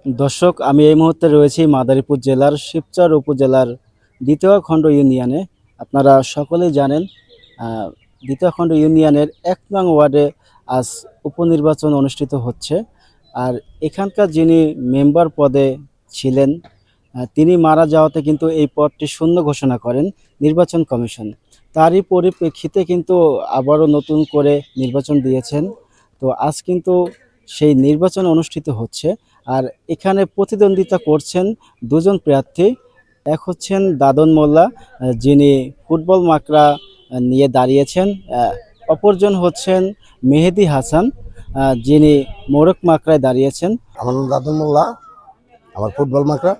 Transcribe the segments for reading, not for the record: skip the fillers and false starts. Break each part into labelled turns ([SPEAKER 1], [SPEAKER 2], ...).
[SPEAKER 1] দর্শক, আমি এই মুহূর্তে রয়েছি মাদারীপুর জেলার শিবচর উপজেলার দ্বিতীয় খণ্ড ইউনিয়নে। আপনারা সকলেই জানেন, দ্বিতীয় খণ্ড ইউনিয়নের ১ নং ওয়ার্ডে আজ উপনির্বাচন অনুষ্ঠিত হচ্ছে। আর এখানকার যিনি মেম্বার পদে ছিলেন, তিনি মারা যাওয়াতে কিন্তু এই পদটি শূন্য ঘোষণা করেন নির্বাচন কমিশন। তারই পরিপ্রেক্ষিতে কিন্তু আবারও নতুন করে নির্বাচন দিয়েছেন। তো আজ কিন্তু সেই নির্বাচন অনুষ্ঠিত হচ্ছে। আর এখানে প্রতিদ্বন্দ্বিতা করছেন দুজন প্রার্থী। এক হচ্ছেন দাদন মোল্লা, যিনি ফুটবল মাকড়া নিয়ে দাঁড়িয়েছেন। অপরজন হচ্ছেন মেহেদি হাসান, যিনি মোরক মাকড়ায় দাঁড়িয়েছেন।
[SPEAKER 2] আমার নাম দাদন মোল্লা, আমার ফুটবল মাকড়া।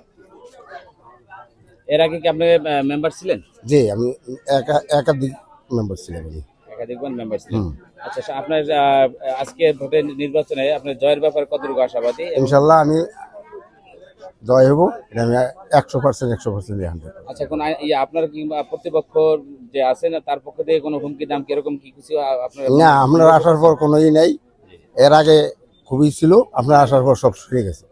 [SPEAKER 3] এর আগে কি আপনি মেম্বার ছিলেন?
[SPEAKER 2] জি, আমি একাধিক মেম্বার ছিলাম।
[SPEAKER 3] একাধিকবার মেম্বার ছিলেন। আচ্ছা, আপনার আজকে ভোটের নির্বাচনে আপনার জয়ের ব্যাপারে কতটুকু আশাবাদী?
[SPEAKER 2] ইনশাল্লাহ আমি জয় হব, এটা আমি 100% 100%।
[SPEAKER 3] আচ্ছা, কোন আপনার কিংবা প্রতিপক্ষ যে আছে না, তার পক্ষ থেকে কোনো হুমকি দাম কিরকম কি কিছু আপনার?
[SPEAKER 2] না, আপনার আসার পর কোনোই নাই। এর আগে খুবই ছিল, আপনার আসার পর সব সরে গেছে।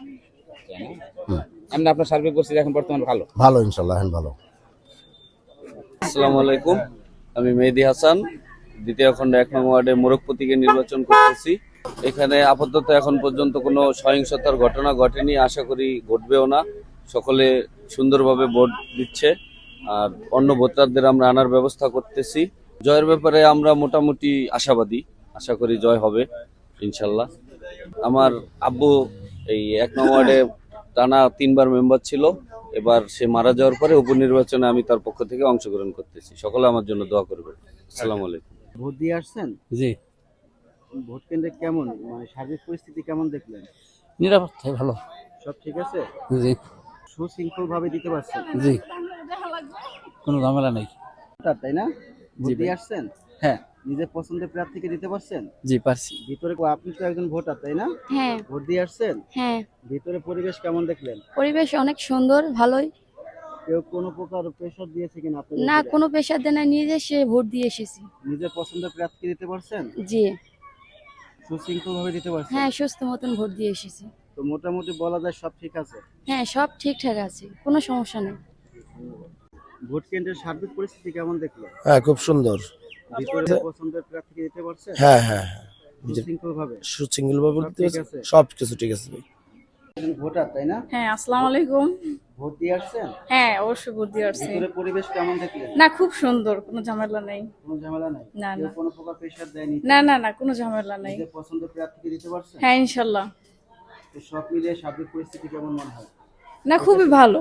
[SPEAKER 3] এমনি আপনার সার্বিক পরিস্থিতি এখন বর্তমানে ভালো?
[SPEAKER 2] ভালো, ইনশাল্লাহ এখন ভালো।
[SPEAKER 4] আসসালামু আলাইকুম, আমি মেহেদি হাসান, দ্বিতীয় খণ্ড 1 নং ওয়ার্ডে মোরক প্রতীকে নির্বাচন করতেছি। এখানে আপাতত এখন পর্যন্ত কোনো সহিংসতার ঘটনা ঘটেনি, আশা করি ঘটবেও না। সকলে সুন্দরভাবে ভোট দিচ্ছে, আর অন্য ভোটারদের আমরা আনার ব্যবস্থা করতেছি। জয়ের ব্যাপারে আমরা মোটামুটি আশাবাদী, আশা করি জয় হবে ইনশাল্লাহ। আমার আব্বু এই 1 নং ওয়ার্ডে টানা 3 বার মেম্বার ছিল। এবার সে মারা যাওয়ার পরে উপনির্বাচনে আমি তার পক্ষ থেকে অংশগ্রহণ করতেছি। সকলে আমার জন্য দোয়া করবেন। আসসালামু আলাইকুম।
[SPEAKER 1] ভোট দিয়ে আসছেন?
[SPEAKER 5] জি,
[SPEAKER 1] ভোট কেন্দ্রে কেমন, মানে সার্বিক পরিস্থিতি কেমন দেখলেন?
[SPEAKER 5] নিরাপত্তা ভালো।
[SPEAKER 1] সব ঠিক আছে?
[SPEAKER 5] জি
[SPEAKER 1] সুশৃঙ্খল ভাবে দিতে পারছেন?
[SPEAKER 5] জি, কোনো ঝামেলা নেই।
[SPEAKER 1] তাই না? ভোট
[SPEAKER 5] জি
[SPEAKER 1] দিয়ে
[SPEAKER 5] ভাই।
[SPEAKER 1] আসছেন?
[SPEAKER 5] হ্যাঁ
[SPEAKER 1] নিজের পছন্দের প্রার্থীকে দিতে পারছেন?
[SPEAKER 5] জি পারছি।
[SPEAKER 1] ভিতরে আপনি তো একজন ভোটার, তাই না?
[SPEAKER 6] হ্যাঁ
[SPEAKER 1] ভোট দিয়ে আসছেন?
[SPEAKER 6] হ্যাঁ,
[SPEAKER 1] ভিতরে পরিবেশ কেমন দেখলেন?
[SPEAKER 6] পরিবেশ অনেক সুন্দর, ভালোই।
[SPEAKER 1] কেউ কোনো প্রকার প্রেশার দিয়েছে কিনা আপনাদের
[SPEAKER 6] না,
[SPEAKER 1] উপরে?
[SPEAKER 6] কোনো পেশার দেয় না, নিজে সে ভোট দিয়ে এসেছি।
[SPEAKER 1] নিজের পছন্দের প্রার্থীকে দিতে পারছেন?
[SPEAKER 6] জি
[SPEAKER 1] সুশৃঙ্খল ভাবে দিতে পারছেন?
[SPEAKER 6] হ্যাঁ, সুস্থ মতন ভোট দিয়ে এসেছি।
[SPEAKER 1] তো মোটামুটি বলা যায় সব ঠিক আছে।
[SPEAKER 6] হ্যাঁ, সব ঠিকঠাক আছে, কোনো সমস্যা নেই।
[SPEAKER 1] ভোট কেন্দ্রের সার্বিক পরিস্থিতি কেমন দেখলেন?
[SPEAKER 2] হ্যাঁ, খুব সুন্দর।
[SPEAKER 1] ভিতরে পছন্দের প্রার্থীকে দিতে পারছেন?
[SPEAKER 2] হ্যাঁ হ্যাঁ হ্যাঁ,
[SPEAKER 1] সুশৃঙ্খল ভাবে?
[SPEAKER 2] সুশৃঙ্খল ভাবে
[SPEAKER 1] সব ঠিক আছে?
[SPEAKER 2] সব কিছু ঠিক আছে ভাই।
[SPEAKER 1] ভোটার, তাই না?
[SPEAKER 7] হ্যাঁ, আসসালামু আলাইকুম।
[SPEAKER 1] ভোট দিয়ে আসছেন?
[SPEAKER 7] হ্যাঁ, অবশ্যই ভোট দিয়ে আসছি।
[SPEAKER 1] ভিতরে পরিবেশ কেমন দেখলেন?
[SPEAKER 7] না, খুব সুন্দর, কোনো ঝামেলা নেই।
[SPEAKER 1] কোনো ঝামেলা নাই?
[SPEAKER 7] না,
[SPEAKER 1] কেউ
[SPEAKER 7] না।
[SPEAKER 1] কোনো প্রকার প্রেশার দেয়নি?
[SPEAKER 7] না না না, কোনো ঝামেলা নেই।
[SPEAKER 1] নিজের পছন্দের প্রার্থীকে দিতে পারছেন?
[SPEAKER 7] হ্যাঁ, ইনশাল্লাহ।
[SPEAKER 1] তো সব মিলিয়ে সার্বিক পরিস্থিতি কেমন মনে হয়?
[SPEAKER 7] না, খুবই ভালো।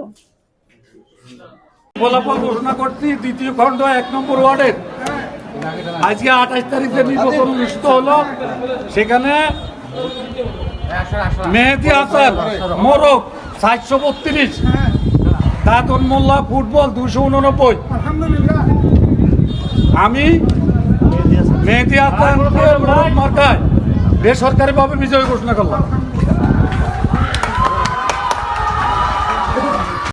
[SPEAKER 8] ফলাফল ঘোষণা করছি দ্বিতীয় খণ্ড 1 নম্বর ওয়ার্ডের। আজকে 28 তারিখে নির্বাচন অনুষ্ঠিত হলো। সেখানে মেহেদি হাসান মোরক 732, দাদন মোল্লা ফুটবল 289। আমি মেহেদি হাসান মোরক মার্কায় বেসরকারিভাবে বিজয় ঘোষণা করলাম।